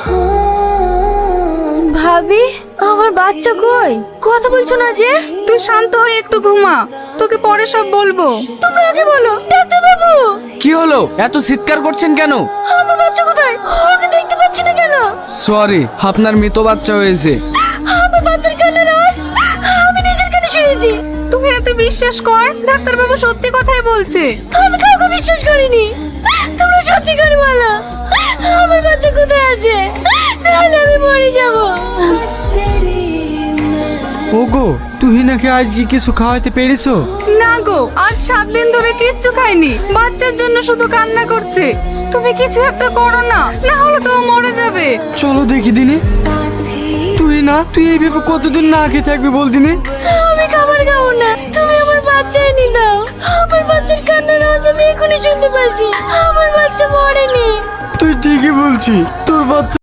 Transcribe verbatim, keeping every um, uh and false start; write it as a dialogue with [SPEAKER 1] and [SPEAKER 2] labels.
[SPEAKER 1] ভাবি, আমার বাচ্চা কই? কথা বলছো না যে?
[SPEAKER 2] তুই শান্ত হয়ে একটু ঘুমা, তোকে পরে সব বলবো।
[SPEAKER 1] তুমি আগে বলো। ডাক্তার বাবু,
[SPEAKER 3] কি হলো? এত চিৎকার করছেন কেন?
[SPEAKER 1] আমার বাচ্চা কোথায়? ওকে দেখতে পাচ্ছি না কেন?
[SPEAKER 3] সরি, আপনার মৃত বাচ্চা হয়েছে।
[SPEAKER 1] আমার বাচ্চার কান্নার আওয়াজ আমি নিজের কানে শুনেছি।
[SPEAKER 2] তুই এত বিশ্বাস কর, ডাক্তার বাবু সত্যি কথাই বলছে।
[SPEAKER 1] আমি কাউকে বিশ্বাস করিনি। তোমরা সত্যি করে বলো, আমার বাচ্চা কোথায় আছে? তাহলে আমি মরে যাব।
[SPEAKER 4] ওগো, তুই নাকি আজকে কিছু খাওয়াতে পেরেছো?
[SPEAKER 2] না গো, আজ সাত দিন ধরে কিচ্ছু খাইনি, বাচ্চার জন্য শুধু কান্না করছে। তুমি কিছু একটা করো না, না হলে তো ও মরে যাবে।
[SPEAKER 4] চলো দেখি দিনে। তুই না, তুই এইভাবে কতদিন না খেয়ে থাকবি বল দিনে?
[SPEAKER 1] আমি খাবার খাবো না, তুমি আমার বাচ্চা এনে দাও। আমার বাচ্চার কান্নার আওয়াজ আমি এখনই শুনতে পাচ্ছি। আমার বাচ্চা মরেনি।
[SPEAKER 4] তুই ঠিকই বলছি, তোর বাচ্চা